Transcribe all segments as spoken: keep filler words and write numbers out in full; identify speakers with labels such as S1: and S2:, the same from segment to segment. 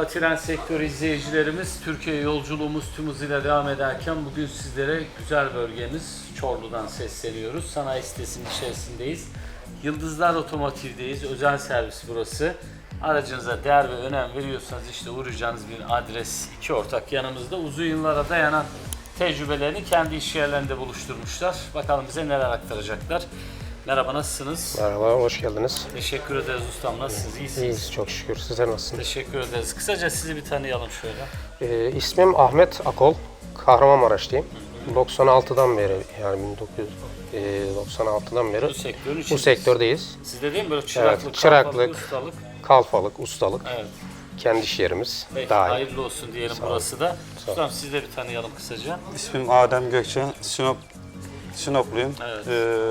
S1: Merhaba tren sektörü izleyicilerimiz. Türkiye yolculuğumuz tüm hızıyla devam ederken bugün sizlere güzel bölgemiz Çorlu'dan sesleniyoruz. Sanayi sitesinin içerisindeyiz. Yıldızlar Otomotiv'deyiz. Özel servis burası. Aracınıza değer ve önem veriyorsanız işte uğrayacağınız bir adres. İki ortak yanımızda uzun yıllara dayanan tecrübelerini kendi iş yerlerinde buluşturmuşlar. Bakalım bize neler aktaracaklar. Merhaba, nasılsınız?
S2: Merhaba, hoş geldiniz.
S1: Teşekkür ederiz ustam. Nasılsınız? İyisiniz?
S2: İyiyiz, çok şükür. Sizler nasılsınız?
S1: Teşekkür ederiz. Kısaca sizi bir tanıyalım şöyle.
S2: Ee, ismim Ahmet Akol, Kahramanmaraşlıyım. doksan altıdan beri, yani bin dokuz yüz doksan altıdan beri
S1: Bu sektörün
S2: bu sektördeyiz.
S1: Sizde değil mi böyle çıraklık,
S2: Evet, çıraklık,
S1: kalfalık, ustalık?
S2: Kalfalık, ustalık,
S1: Evet.
S2: kendi iş yerimiz.
S1: Peki,
S2: Dahil.
S1: hayırlı olsun diyelim burası da. Ustam sizi de bir tanıyalım kısaca.
S3: İsmim Adem Gökçen, Sinop, Sinopluyum.
S1: Evet.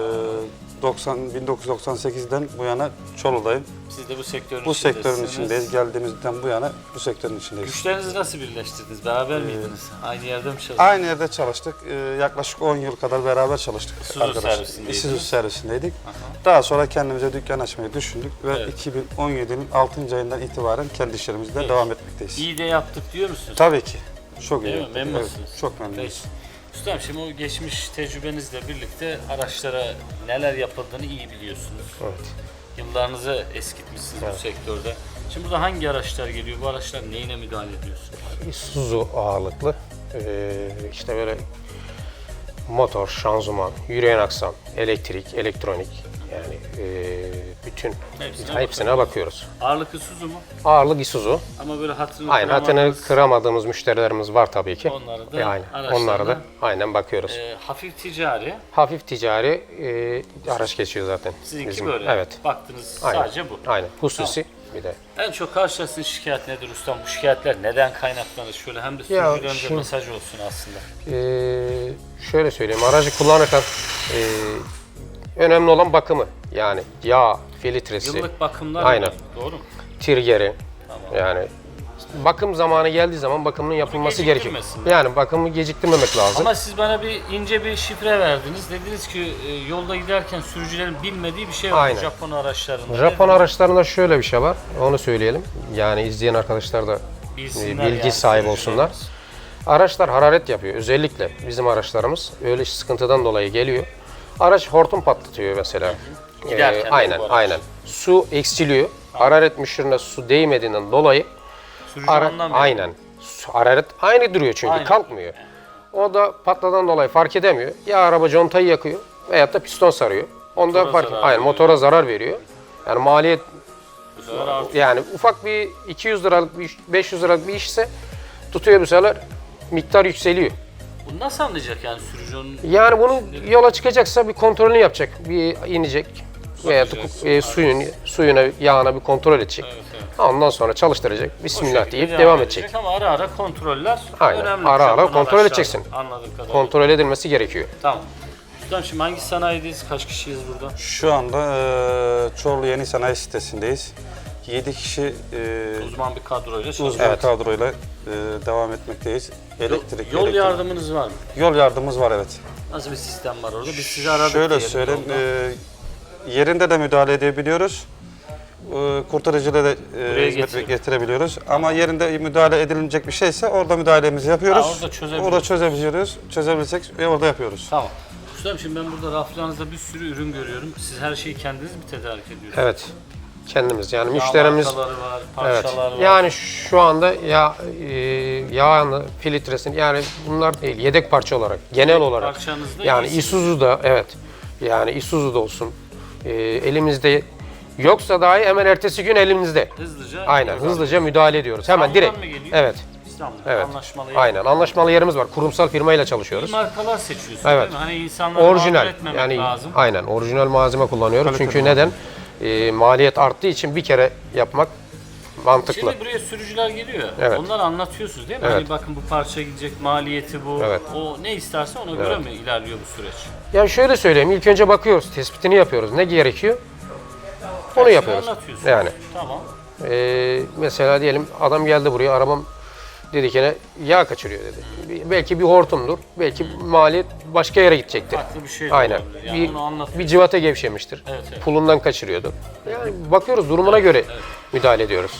S3: Ee, doksan, bin dokuz yüz doksan sekizden bu yana Çorlu'dayım.
S1: Siz de bu sektörün
S3: Bu
S1: içindesiniz.
S3: sektörün içindeyiz. Geldiğimizden bu yana bu sektörün içindeyiz.
S1: Güçlerinizi nasıl birleştirdiniz? Beraber miydiniz? Aynı yerde mi çalıştınız?
S3: Aynı yerde çalıştık. Ee, yaklaşık on yıl kadar beraber çalıştık.
S1: Isuzu
S3: arkadaşlar.
S1: servisindeydiniz.
S3: Isuzu servisindeydik. Daha sonra kendimize dükkan açmayı düşündük ve
S1: Evet.
S3: iki bin on yedinin altıncı ayından itibaren kendi işlerimizde
S1: Evet.
S3: devam etmekteyiz.
S1: İyi de yaptık diyor musunuz?
S3: Tabii ki. Çok iyi.
S1: Değil mi?
S3: yaptık.
S1: Memnunsunuz.
S3: Evet, çok memnunuz.
S1: Peki. Ustam şimdi o geçmiş tecrübenizle birlikte araçlara neler yapıldığını iyi biliyorsunuz.
S2: Evet.
S1: Yıllarınızı eskitmişsiniz bu sektörde. Şimdi burada hangi araçlar geliyor? Bu araçlar neyine müdahale ediyorsunuz?
S2: Isuzu ağırlıklı. Ee, işte böyle motor, şanzıman, yürüyen aksam, elektrik, elektronik, yani ee, bütün
S1: Hepsine
S2: hepsine, bakıyoruz.
S1: Ağırlık Isuzu mu?
S2: Ağırlık Isuzu.
S1: Ama böyle hatırını
S2: Aynen, hatını
S1: kıramadığınız,
S2: kıramadığımız müşterilerimiz var tabii ki.
S1: Onları da
S2: E, aynen.
S1: araçlarına-
S2: Onlara da aynen bakıyoruz.
S1: e, hafif ticari.
S2: Hafif ticari e, araç geçiyor zaten.
S1: Sizinki
S2: bizim.
S1: böyle.
S2: Evet.
S1: Baktınız
S2: Aynen.
S1: sadece bu.
S2: Aynen. Hususi bir de.
S1: En çok karşılaştığınız şikayet nedir ustam? Bu şikayetler neden kaynaklanır? Şöyle hem de
S2: Ya,
S1: sürücülerimize
S2: şimdi-
S1: mesaj olsun aslında.
S2: E, şöyle söyleyeyim. Aracı kullanırken e, önemli olan bakımı. Yani yağ, filtresi,
S1: Yıllık bakımlar
S2: Aynen.
S1: var, doğru mu?
S2: tirgeri.
S1: Tamam.
S2: Yani bakım zamanı geldiği zaman bakımının yapılması gerekiyor.
S1: geciktirmesin.
S2: Yani bakımı geciktirmemek lazım.
S1: Ama siz bana bir ince bir şifre verdiniz. Dediniz ki e, yolda giderken sürücülerin bilmediği bir şey var
S2: Aynen.
S1: Japon araçlarında.
S2: Japon
S1: Dediniz,
S2: araçlarında şöyle bir şey var. Onu söyleyelim. Yani izleyen arkadaşlar da
S1: bilsinler
S2: bilgi
S1: yani
S2: sahibi olsunlar.
S1: sürücülerimiz.
S2: Araçlar hararet yapıyor. Özellikle bizim araçlarımız öyle sıkıntıdan dolayı geliyor. Araç hortum patlatıyor mesela.
S1: Giderken de
S2: aynen,
S1: bu araç.
S2: aynen. Su eksiliyor. Hararet müşürüne su değmediğinden dolayı
S1: Sürücü
S2: ara,
S1: anlamıyor.
S2: aynen. Su- Hararet aynı duruyor çünkü
S1: Aynen.
S2: kalkmıyor. O da patladan dolayı fark edemiyor. Ya araba contayı yakıyor veyahut da piston sarıyor. Onda
S1: Motora
S2: fark
S1: zarar
S2: aynen
S1: veriyor.
S2: motora zarar veriyor. Yani maliyet
S1: Bu sefer artık
S2: yani ufak bir iki yüz liralık bir iş, beş yüz liralık bir işse tutuyor bu sefer miktar yükseliyor.
S1: bunu nasıl anlayacak yani sürücünün?
S2: Yani bunun yola çıkacaksa bir kontrolünü yapacak. Bir inecek veya da
S1: Bakacağız.
S2: e, suyun suyuna yağına bir kontrol edecek.
S1: Evet, evet.
S2: Ondan sonra çalıştıracak.
S1: O
S2: Bismillah
S1: şekilde
S2: deyip devam edecek.
S1: Ama ara ara kontroller
S2: Aynen.
S1: önemli.
S2: Ara ara
S1: Japon
S2: kontrol
S1: araçlarda,
S2: edeceksin.
S1: Anladığım kadarıyla.
S2: Kontrol edilmesi gerekiyor.
S1: Tamam. Ustam şimdi hangi sanayideyiz? Kaç kişiyiz burada?
S3: Şu anda e, Çorlu Yeni Sanayi sitesindeyiz. yedi kişi e,
S1: Uzman bir kadroyla çalışıyoruz.
S3: uzman
S2: Evet.
S3: kadroyla e, devam etmekteyiz. Elektrik,
S1: Yol
S3: elektrik-
S1: yardımınız var mı?
S3: Yol yardımımız var, evet.
S1: Nasıl bir sistem var orada? Biz sizi aradık
S3: Şöyle
S1: diyelim
S3: söyleyeyim,
S1: yolda.
S3: e, yerinde de müdahale edebiliyoruz. E, kurtarıcıyla da e,
S1: Buraya
S3: hizmet
S1: getirip.
S3: getirebiliyoruz. Ama yerinde müdahale edilecek bir şeyse orada müdahalemizi yapıyoruz.
S1: Ha, orada çözebiliyoruz.
S3: Orada çözebiliyoruz. Çözebilirsek ve orada yapıyoruz.
S1: Tamam. Ustam şimdi ben burada raflarınızda bir sürü ürün görüyorum. Siz her şeyi kendiniz mi tedarik ediyorsunuz?
S2: Evet. Kendimiz yani
S1: Yağ
S2: müşterimiz
S1: markaları var,
S2: evet.
S1: parçalar var.
S2: Yani şu anda ya e, yağını, filtresini yani bunlar değil yedek parça olarak genel olarak
S1: Parçanızda
S2: yani
S1: iyisiniz.
S2: Isuzu'da evet. Yani Isuzu'da olsun. E, elimizde yoksa dahi hemen ertesi gün elimizde.
S1: Hızlıca.
S2: Aynen
S1: müdahale.
S2: hızlıca müdahale ediyoruz. Hemen
S1: İstanbul'dan
S2: direkt.
S1: mı geliyor?
S2: Evet.
S1: İstanbul'da
S2: Evet.
S1: anlaşmalı.
S2: Aynen. Anlaşmalı yerimiz var. Kurumsal firmayla
S1: İyi
S2: çalışıyoruz.
S1: markalar seçiyorsunuz
S2: Evet.
S1: değil mi? Hani insanları mağdur
S2: Orijinal.
S1: etmemek
S2: Yani
S1: lazım.
S2: aynen orijinal malzeme kullanıyoruz.
S3: Kaliteli
S2: Çünkü neden? E, maliyet arttığı için bir kere yapmak mantıklı.
S1: Şimdi buraya sürücüler geliyor.
S2: Evet.
S1: Onları anlatıyorsunuz değil mi?
S2: Evet.
S1: Hani bakın bu parça gidecek, maliyeti bu.
S2: Evet.
S1: O ne isterse ona göre mi ilerliyor bu süreç?
S2: Ya şöyle söyleyeyim, ilk önce bakıyoruz, tespitini yapıyoruz. Ne gerekiyor? Onu
S1: Hepsini
S2: yapıyoruz.
S1: anlatıyorsunuz.
S2: Yani
S1: Tamam.
S2: e, mesela diyelim adam geldi buraya, arabam dedi ki ne yağ kaçırıyor dedi. Bir- belki bir hortumdur, belki maliyet başka yere gidecektir.
S1: Farklı bir şey de
S2: Aynen.
S1: olabilir. Yani
S2: Bir,
S1: onu anlatıyorsunuz.
S2: bir civata gevşemiştir.
S1: Evet, evet.
S2: Pulundan kaçırıyordur. Yani bakıyoruz, durumuna göre müdahale ediyoruz.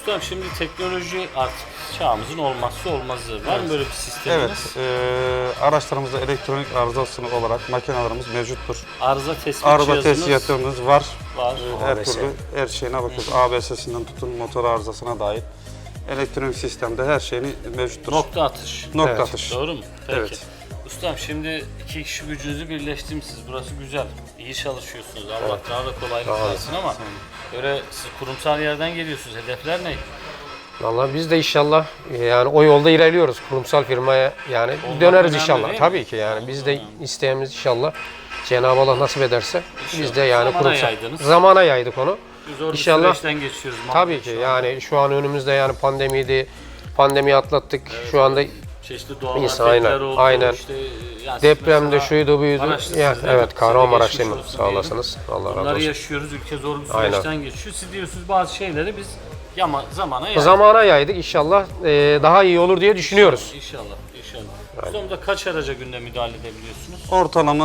S1: Ustam şimdi teknoloji artık çağımızın olmazsa olmazı. Var mı böyle bir sisteminiz?
S3: Evet, e, araçlarımızda elektronik arızası olarak makinelerimiz mevcuttur.
S1: Arıza tespit
S3: Araba
S1: cihazınız
S3: tespitimiz var.
S1: var.
S3: Her
S2: A B S.
S3: türlü her şeyine bakıyoruz. A B S'sinden tutun motor arızasına dair. Elektronik sistemde her şeyini mevcuttur.
S1: Nokta atış.
S3: Nokta
S2: Evet.
S3: atış.
S1: Doğru mu? Peki.
S3: Evet.
S1: Ustam şimdi iki kişi gücünüzü birleştirmişsiniz. Burası güzel. İyi çalışıyorsunuz. Allah daha da kolaylık
S2: Sağ olun.
S1: versin ama böyle siz kurumsal yerden geliyorsunuz. Hedefler ne?
S2: Vallahi biz de inşallah e, yani o yolda ilerliyoruz. Kurumsal firmaya yani
S1: Olmak
S2: döneriz
S1: önemli
S2: inşallah.
S1: değil mi?
S2: Tabii ki yani biz de
S1: Önemli.
S2: isteğimiz inşallah Cenab-ı Allah nasip ederse biz de yani
S1: Zamana
S2: kurumsal
S1: yaydınız.
S2: zamana yaydık onu.
S1: Zor bir
S2: İnşallah.
S1: süreçten geçiyoruz.
S2: Tabii ki yani şu an önümüzde yani pandemiydi. Pandemiyi atlattık. Şu anda
S1: Çeşitli doğal
S2: İnsan,
S1: afetler
S2: aynen,
S1: oldu.
S2: aynen.
S1: İşte, yani
S2: depremde
S1: mesela
S2: şuydu buydu.
S1: Maraşlısınız
S2: Ya,
S1: değil mi?
S2: evet Kahramanmaraş
S1: Size de
S2: değil mi?
S1: geçmiş olsun
S2: Sağ
S1: diyelim.
S2: olasınız. Allah razı
S1: Bunları
S2: olsun.
S1: yaşıyoruz. Ülke zor bir
S2: Aynen.
S1: süreçten geçiyor. Siz diyorsunuz bazı şeyleri biz yama, zamana yaydık.
S2: Zamana yaydık. İnşallah e, daha iyi olur diye düşünüyoruz.
S1: İnşallah. İnşallah. Sonunda kaç araca günde müdahale edebiliyorsunuz?
S3: Ortalama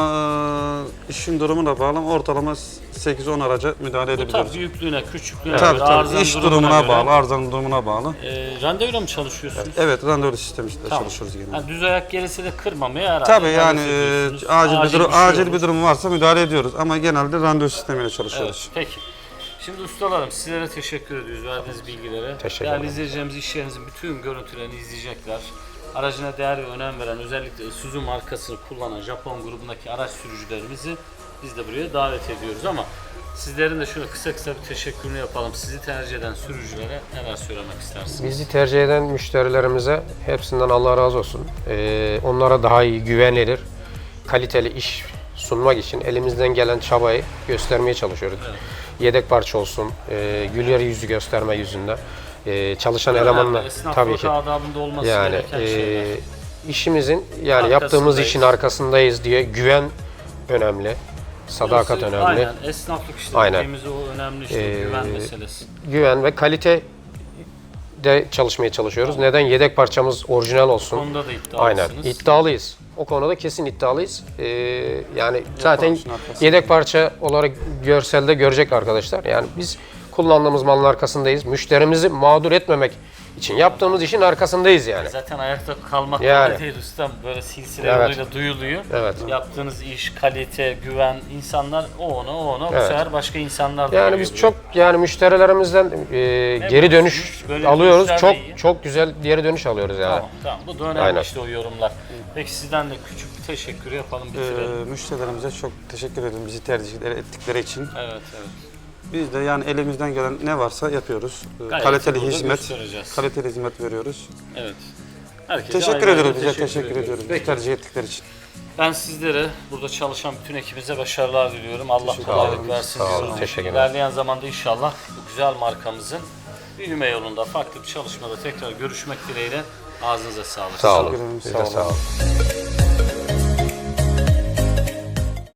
S3: e, işin durumuna bağlı ortalama sekiz on araca müdahale
S1: Bu
S3: edebiliyoruz.
S1: tabii büyüklüğüne, küçüklüğüne,
S3: Tabii
S1: göre,
S3: tabii.
S1: arızanın
S3: İş
S1: durumuna
S3: durumuna
S1: göre.
S3: bağlı, arızanın durumuna bağlı.
S1: E, randevuyla mı çalışıyorsunuz?
S3: Evet, randevu sisteminde
S1: Tamam.
S3: çalışıyoruz genelde.
S1: Yani düz ayak gelirse de kırmamaya herhalde.
S3: Tabii yani
S1: müdahale
S3: e,
S1: ediyorsunuz.
S3: acil, bir durum,
S1: şey
S3: acil
S1: olur.
S3: bir durum varsa müdahale ediyoruz ama genelde randevu sistemiyle
S1: Evet,
S3: çalışıyoruz.
S1: peki. Şimdi ustalarım sizlere teşekkür ediyoruz verdiğiniz bilgilere.
S2: Teşekkür
S1: Değerli
S2: ederim.
S1: izleyicilerimiz iş yerinizin bütün görüntülerini izleyecekler. Aracına değer ve önem veren özellikle Isuzu markasını kullanan Japon grubundaki araç sürücülerimizi biz de buraya davet ediyoruz ama sizlerin de şöyle kısa kısa bir teşekkürünü yapalım. Sizi tercih eden sürücülere neler söylemek istersiniz?
S2: Bizi tercih eden müşterilerimize hepsinden Allah razı olsun. Ee, onlara daha iyi güvenilir, kaliteli iş sunmak için elimizden gelen çabayı göstermeye çalışıyoruz.
S1: Evet.
S2: Yedek parça olsun, e, güler yüzü gösterme yüzünde. E, çalışan
S1: Önemli,
S2: elemanla
S1: esnaflık
S2: tabii ki.
S1: adabında olması
S2: Yani
S1: gereken
S2: e,
S1: şeyler.
S2: işimizin yani
S1: Arkasındayız.
S2: yaptığımız işin arkasındayız diye güven önemli, sadakat
S1: Burası,
S2: önemli.
S1: Aynen, esnaflık işte
S2: Aynen.
S1: dediğimiz o önemli işte
S2: Ee,
S1: güven meselesi.
S2: Güven ve kalite de çalışmaya çalışıyoruz. Neden? Yedek parçamız orijinal
S1: Bu
S2: olsun.
S1: konuda da
S2: Aynen.
S1: iddialısınız.
S2: İddialıyız. O konuda kesin iddialıyız. Ee, yani zaten
S3: parçanın arkasında.
S2: yedek parça olarak görselde görecek arkadaşlar. Yani biz kullandığımız malın arkasındayız. Müşterimizi mağdur etmemek için yaptığımız işin arkasındayız yani.
S1: Zaten ayakta kalmak
S2: Yani.
S1: kolay değil ustam. Böyle silsile
S2: Evet.
S1: yoluyla duyuluyor.
S2: Evet.
S1: Yaptığınız iş, kalite, güven, insanlar o ona o ona bu
S2: Evet.
S1: sefer başka insanlar da
S2: Yani
S1: geliyor
S2: biz
S1: buraya.
S2: çok yani müşterilerimizden e, geri dönüş
S1: mutluyuz. Böyle
S2: alıyoruz.
S1: dönüşler de
S2: Çok
S1: iyi.
S2: çok güzel geri dönüş alıyoruz yani.
S1: Tamam tamam bu da önemli
S2: Aynen.
S1: işte o yorumlar. Peki sizden de küçük bir teşekkür yapalım bitirelim.
S3: Ee, müşterilerimize çok teşekkür ederim bizi tercih ettikleri için.
S1: evet evet.
S3: Biz de yani elimizden gelen ne varsa yapıyoruz. Ee,
S1: Gayet
S3: kaliteli
S1: burada
S3: hizmet,
S1: göstereceğiz.
S3: kaliteli hizmet veriyoruz.
S1: Evet. Herkese
S3: Teşekkür
S1: ayrı ayrı
S3: ediyoruz, bize teşekkür ediyoruz. Bizi
S1: Peki.
S3: tercih ettikleri için.
S1: Ben sizlere, burada çalışan bütün ekibimize başarılar diliyorum. Allah
S3: Teşekkür
S1: kolaylık
S3: ederim.
S1: versin
S2: Sağ olun,
S1: diyoruz.
S2: teşekkür ederim.
S1: İlerleyen zamanda inşallah bu güzel markamızın büyüme yolunda farklı bir çalışmada tekrar görüşmek dileğiyle. Ağzınıza sağlık.
S2: Sağ olun.
S3: Teşekkür ederim,
S2: Siz
S3: sağ
S2: de
S3: olun.
S2: sağ olun.